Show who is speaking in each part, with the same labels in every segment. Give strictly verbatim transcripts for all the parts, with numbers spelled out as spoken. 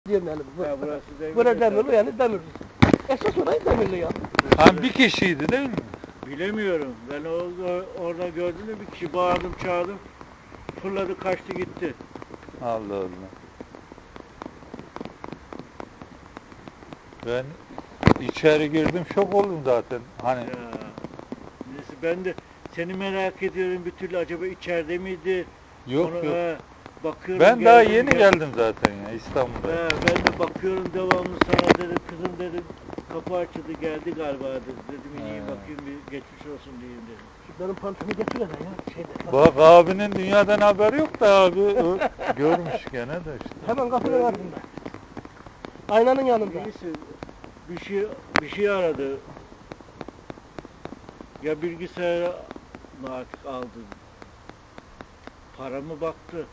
Speaker 1: Demeyelim.
Speaker 2: Ha, burası Demirli.
Speaker 1: Burası Demirli yani Demirli. Esas orayı Demirli ya.
Speaker 3: Ha bir kişiydi değil mi?
Speaker 2: Bilemiyorum. Ben orada, orada gördüm de bir kişi bağırdım çağırdım. Fırladı kaçtı gitti.
Speaker 3: Allah Allah. Ben içeri girdim şok oldum zaten. Hani
Speaker 2: Ya. Neyse ben de seni merak ediyorum bir türlü acaba içeride miydi?
Speaker 3: yok
Speaker 2: Onu,
Speaker 3: yok.
Speaker 2: he, bakıyorum,
Speaker 3: Ben daha
Speaker 2: geldim,
Speaker 3: yeni
Speaker 2: gel-
Speaker 3: geldim zaten ya İstanbul'da.
Speaker 2: He, ben de bakıyorum devamlı sana dedim kızım dedim kapı açıldı geldi galiba dedim. Dedim ineyim
Speaker 3: He.
Speaker 2: bakayım bir geçmiş olsun diyeyim dedim.
Speaker 1: Şu benim pantolonu getir hele ya. Şeyde.
Speaker 3: Bak abinin dünyadan haberi yok da abi o görmüş gene de işte.
Speaker 1: Hemen kapının ardında. Aynanın yanında.
Speaker 2: Neyse bir şey bir şey aradı. Ya bilgisayarı mı artık aldı? Para mı baktı?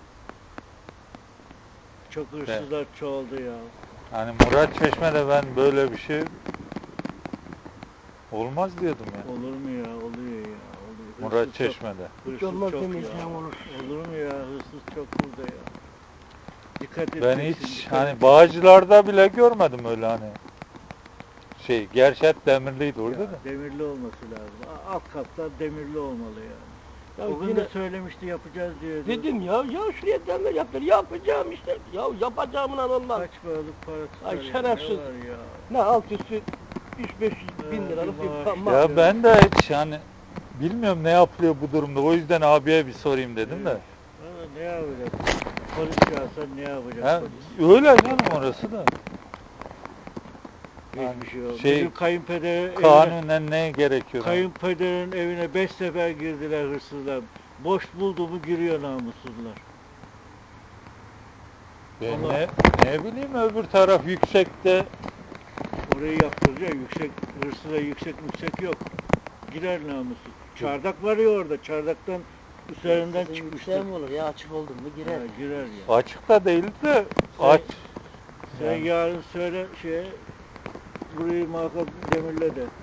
Speaker 2: Çok hırsızlar çoğaldı ya.
Speaker 3: Hani Murat Çeşme'de ben böyle bir şey olmaz diyordum ya.
Speaker 2: Olur mu ya? Oluyor ya. Oluyor. Hırsız
Speaker 3: Murat
Speaker 2: çok-
Speaker 3: Çeşme'de.
Speaker 2: Hırsız
Speaker 1: Hiç olmaz
Speaker 2: çok
Speaker 1: demeyeceğim
Speaker 2: ya.
Speaker 1: olur.
Speaker 2: Olur mu ya? Hırsız çok burada ya. Dikkat et.
Speaker 3: Ben hiç hani Bağcılar'da bile görmedim öyle hani. Şey, gerçi hep demirliydi orada da.
Speaker 2: Demirli olması lazım. A- Alt katlar demirli olmalı yani.
Speaker 1: Ya
Speaker 2: o gün
Speaker 1: yine
Speaker 2: de söylemişti yapacağız diye.
Speaker 1: dedim ya ya şuraya demir yaptır yapacağım işte. Ya yapacağımla olmaz.
Speaker 2: Kaç paralık para tutar
Speaker 1: Ay,
Speaker 2: ya,
Speaker 1: şerefsiz.
Speaker 2: ne var ya.
Speaker 1: Ne alt üstü üç beş yüz bin
Speaker 2: He,
Speaker 1: liralık
Speaker 2: bir
Speaker 1: bir
Speaker 2: maaş.
Speaker 1: maaş.
Speaker 3: Ya ben de hiç hani bilmiyorum ne yapılıyor bu durumda. O yüzden abiye bir sorayım dedim de.
Speaker 2: Evet. Valla ne yapacak? Polis çağırsan ne yapacak
Speaker 3: Ha,
Speaker 2: polis?
Speaker 3: öyle canım orası da.
Speaker 2: Hiçbir şey olmaz.
Speaker 3: şey,
Speaker 2: Bizim kayınpeder evine,
Speaker 3: Kanunen ne gerekiyor?
Speaker 2: kayınpederin evine beş sefer girdiler hırsızlar. Boş buldu mu giriyor namussuzlar.
Speaker 3: Ben
Speaker 2: Allah.
Speaker 3: ne, ne bileyim öbür taraf yüksekte.
Speaker 2: Orayı yaptıracak. Yüksek, hırsıza yüksek yüksek yok. Girer namussuz. Çardak var ya orada. Çardaktan üzerinden
Speaker 4: Sizin
Speaker 2: çıkmıştır.
Speaker 4: yüksek mi olur ya açık oldun mu girer.
Speaker 2: Ha, girer ya.
Speaker 3: Açıkta değil de
Speaker 2: Sen-
Speaker 3: aç.
Speaker 2: Sen
Speaker 3: Yani.
Speaker 2: yarın söyle şeye burayı muhakkak demirle de.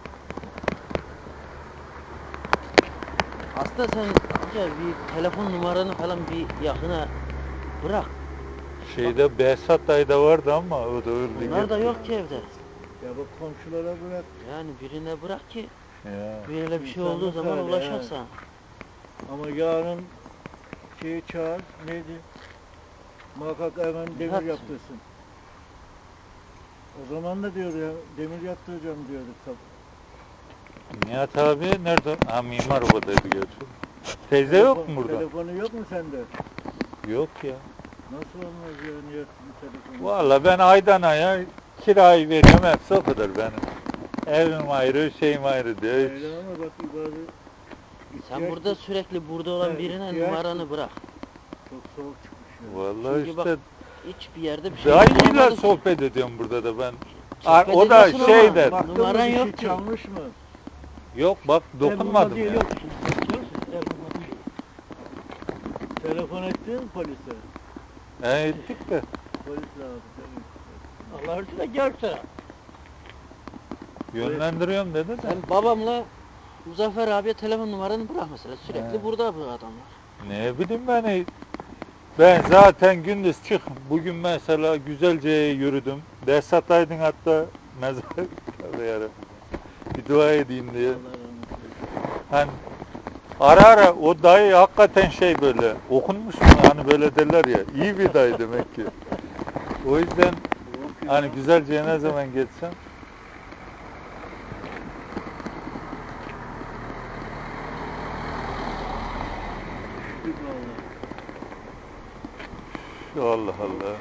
Speaker 4: Aslında sen amca bir telefon numaranı falan bir yakına bırak.
Speaker 3: Şeyde Behzat dayıda vardı ama o da öldü.
Speaker 4: Bunlar da
Speaker 3: gitti.
Speaker 4: yok ki evde.
Speaker 2: Ya bak komşulara bırak.
Speaker 4: Yani birine bırak ki
Speaker 3: Ya.
Speaker 4: böyle bir şey
Speaker 2: İnsanlık
Speaker 4: olduğu zaman
Speaker 2: hali,
Speaker 4: ulaşak
Speaker 2: he.
Speaker 4: sana.
Speaker 2: Ama yarın şeyi çağır, neydi? Muhakkak hemen demir
Speaker 4: Nihat.
Speaker 2: yaptırsın. O zaman da diyordu ya, demir yaptıracağım diyordu tabii.
Speaker 3: Nihat abi nerede? Ha mimar obadaydı gerçi. Teyze yok mu burada?
Speaker 2: Telefonu yok mu sende?
Speaker 3: Yok ya.
Speaker 2: Nasıl olmaz ya Nihat'ın telefonu?
Speaker 3: Valla ben aydan aya kirayı veriyorum hepsi o kadar benim. Evim ayrı, şeyim ayrı diyor. Hiç.
Speaker 2: Öyle ama bak bazı
Speaker 4: Sen
Speaker 2: ihtiyaç-
Speaker 4: burada sürekli burada olan
Speaker 2: Evet,
Speaker 4: birine
Speaker 2: ihtiyaç-
Speaker 4: numaranı bırak.
Speaker 2: Çok soğuk çıkmış ya.
Speaker 3: Vallahi
Speaker 4: Çünkü bak,
Speaker 3: işte
Speaker 4: Hiçbir yerde bir şey
Speaker 3: dayıyla
Speaker 4: bulamadık.
Speaker 3: sohbet ediyorum burada da ben.
Speaker 4: Sohbet
Speaker 3: O da
Speaker 4: ediyorsun
Speaker 3: şey
Speaker 4: ama
Speaker 3: der.
Speaker 2: Baktın mı
Speaker 4: numaran
Speaker 2: bir şey
Speaker 4: yok ki.
Speaker 2: çalmış mı?
Speaker 3: Yok bak dokunmadım
Speaker 1: Elma
Speaker 3: ya.
Speaker 1: yok. Elma değil.
Speaker 2: Telefon ettin mi polise?
Speaker 3: He ettik de.
Speaker 2: Polis lazım. tabii.
Speaker 1: Allah aşkına görse.
Speaker 3: Yönlendiriyorum dedi de.
Speaker 4: Sen babamla Muzaffer abiye telefon numaranı bırak mesela. Sürekli
Speaker 3: He.
Speaker 4: burada bu adamlar.
Speaker 3: Ne bileyim ben. Ben zaten gündüz çık. Bugün mesela Güzelce'ye yürüdüm. Behzat Aydın hatta mezar yarabbim. Bir dua edeyim diye.
Speaker 2: Allah rahmet eylesin.
Speaker 3: Hani ara ara o dayı hakikaten şey böyle okunmuş mu hani böyle derler ya iyi bir dayı demek ki. O yüzden
Speaker 2: Yok ya.
Speaker 3: hani Güzelce'ye ne zaman geçsem
Speaker 2: Düştük vallahi.
Speaker 3: Allah Allah.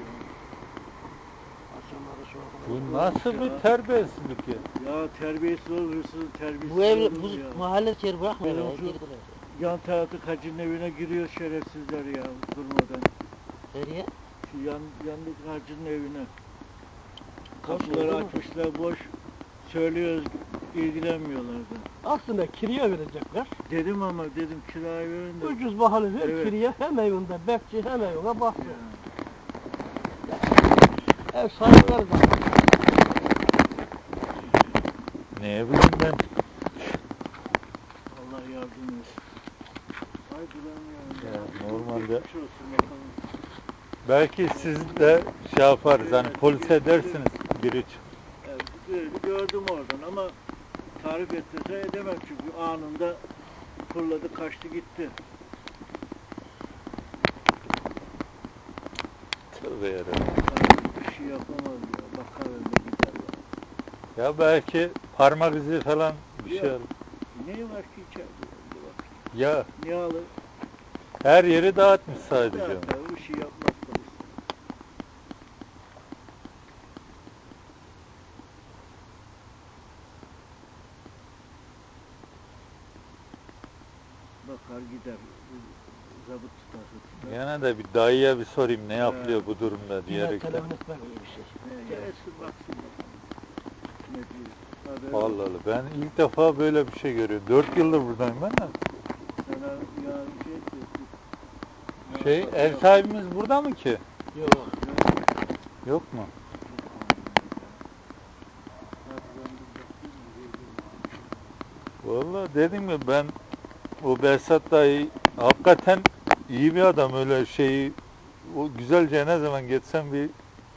Speaker 1: Akşamları soğuk.
Speaker 3: Bu nasıl bir terbiyesizlik ya?
Speaker 2: Ya terbiyesiz olur, hırsız terbiyesiz
Speaker 4: Bu ev,
Speaker 2: olur
Speaker 4: bu
Speaker 2: ya.
Speaker 4: mahalle yer bırakmıyor
Speaker 2: Benim
Speaker 4: ya.
Speaker 2: şu-
Speaker 4: Girdiler.
Speaker 2: Yan tarafta hacının evine giriyor şerefsizler ya durmadan.
Speaker 4: Nereye?
Speaker 2: Şu yan, yandaki hacının evine.
Speaker 4: Boş
Speaker 2: Kapıları
Speaker 4: oldu mu?
Speaker 2: açmışlar boş. Söylüyoruz ilgilenmiyorlar da.
Speaker 1: Aslında kiraya verecekler.
Speaker 2: Dedim ama dedim kirayı verin de.
Speaker 1: Ucuz bahalı ver
Speaker 2: Evet.
Speaker 1: kiraya hem evinde bekçi hem evine bakıyor.
Speaker 2: Ya,
Speaker 1: Ev sahipleri de.
Speaker 3: Ne bileyim ben.
Speaker 2: Allah yardım etsin. Ay bulamıyorum ya.
Speaker 3: Ya, normalde-
Speaker 2: Geçmiş olsun bakalım.
Speaker 3: Belki siz de şey yaparız hani polise dersiniz biri çık.
Speaker 2: Evet, gö- gördüm oradan ama tarif ettirse edemem çünkü anında fırladı kaçtı gitti.
Speaker 3: Tövbe yarabbim.
Speaker 2: Yani bir şey yapamaz ya. Bakar önüne gider ya.
Speaker 3: Ya belki parmak izi falan bir şey
Speaker 2: Ya.
Speaker 3: alır.
Speaker 2: Ne var ki içeride? Bak.
Speaker 3: Ya
Speaker 2: Ne alır?
Speaker 3: her yeri dağıtmış sadece.
Speaker 2: Zaten bir şey yapmaz polis. Bakar gider. Zabıt tutar. tutar.
Speaker 3: Gene de bir dayıya bir sorayım ne yapılıyor bu durumda
Speaker 1: Yine
Speaker 3: diyerek.
Speaker 1: telefon etmek iyi bir şey.
Speaker 2: Ne gelsin baksın bakalım. Ne diyor? Haber
Speaker 3: Allah Allah ben ilk defa böyle bir şey görüyorum. Dört yıldır buradayım ben de.
Speaker 2: sana yarın şey etsin.
Speaker 3: Şey ev sahibimiz burada mı ki?
Speaker 1: Yok.
Speaker 3: Yok mu? Vallahi dedim ya ben o Behzat dayı hakikaten iyi bir adam öyle şeyi o güzelce ne zaman geçsem bir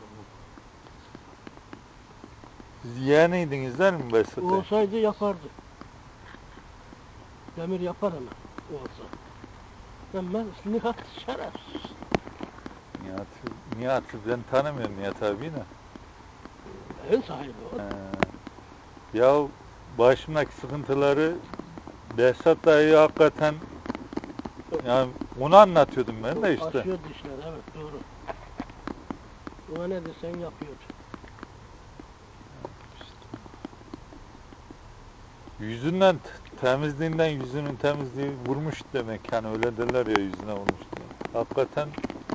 Speaker 3: siz yeğeniydiniz değil mi Behzat dayı?
Speaker 1: Olsaydı yapardı. Demir yapar ama olsa. Ama Nihat şerefsiz.
Speaker 3: Nihat, Nihat'ı ben tanımıyorum Nihat abiyi de.
Speaker 1: En sahibi o.
Speaker 3: Ee, ya başımdaki sıkıntıları Behzat dayı hakikaten yani onu anlatıyordum ben de işte.
Speaker 1: Aşıyordu işler, evet doğru. Ona ne desen yapıyordu.
Speaker 3: Yüzünden temizliğinden yüzünün temizliği vurmuş demek hani öyle derler ya yüzüne vurmuş diye. Hakikaten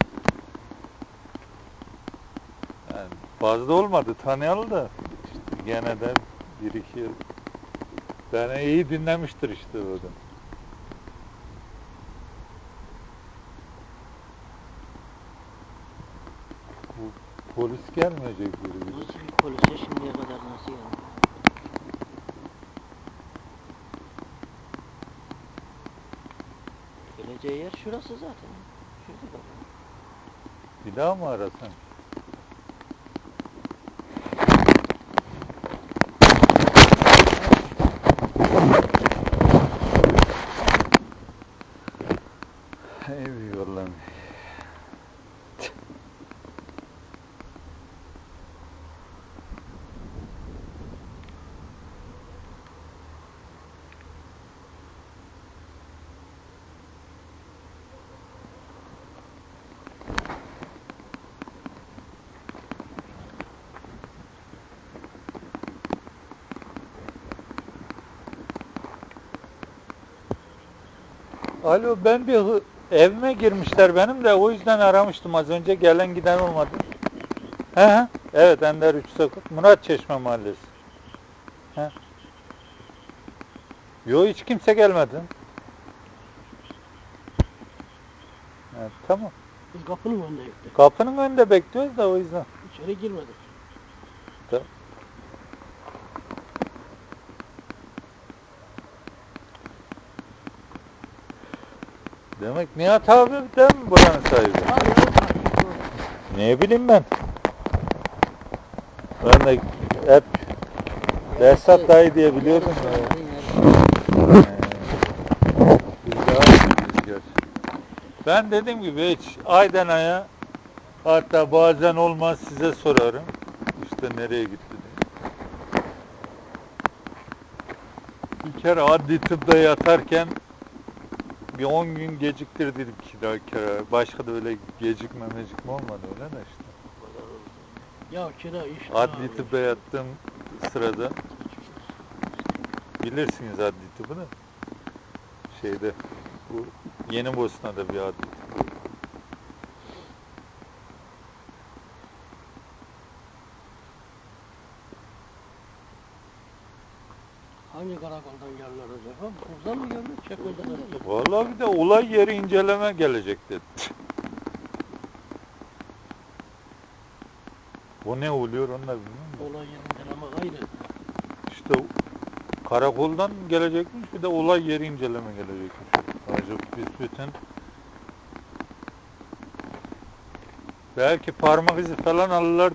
Speaker 3: yani fazla olmadı tanıyalı da işte gene de bir iki yıl beni iyi dinlemiştir işte o adam. Bu polis gelmeyecek biri gibi.
Speaker 4: Nasıl bir polise şimdiye kadar nasıl yani? Geleceği yer şurası zaten. Şurada bak.
Speaker 3: Bir daha mı arasan? Eyvallah. Alo ben bir hı- evime girmişler benim de o yüzden aramıştım az önce gelen giden olmadı. He he. Evet Ender üç Sokak Murat Çeşme Mahallesi. He. Yo hiç kimse gelmedi. Evet, tamam.
Speaker 1: Biz kapının önündeydik.
Speaker 3: Kapının önünde bekliyoruz da o yüzden.
Speaker 1: İçeri girmedik.
Speaker 3: Tamam. Demek Nihat abi değil mi buranın sahibi?
Speaker 1: Ha, evet, ha, doğru.
Speaker 3: Ne bileyim ben. Ben de hep Behzat dayı diye biliyordum ya. Ee, biz daha iyiyiz gerçi. Ben dediğim gibi hiç aydan aya hatta bazen olmaz size sorarım. İşte nereye gitti diye. Bir kere adli tıpta yatarken bir on gün geciktirdik kira kira. Başka da öyle gecikme mecikme olmadı öyle de işte.
Speaker 1: Ya kira iş.
Speaker 3: Adli tıbba yattığım sırada bilirsiniz adli tıbbı da şeyde bu Yeni Bosna'da bir adli tıbbı.
Speaker 1: Hangi karakoldan geldiler acaba? Buradan mı geldi? Çekmeden mi?
Speaker 3: Vallahi bir de olay yeri inceleme gelecek dedi. O ne oluyor onu da bilmiyorum da.
Speaker 1: Olay yerinden ama ayrı.
Speaker 3: İşte karakoldan gelecekmiş bir de olay yeri inceleme gelecekmiş. Acaba biz bütün Belki parmak izi falan alırlar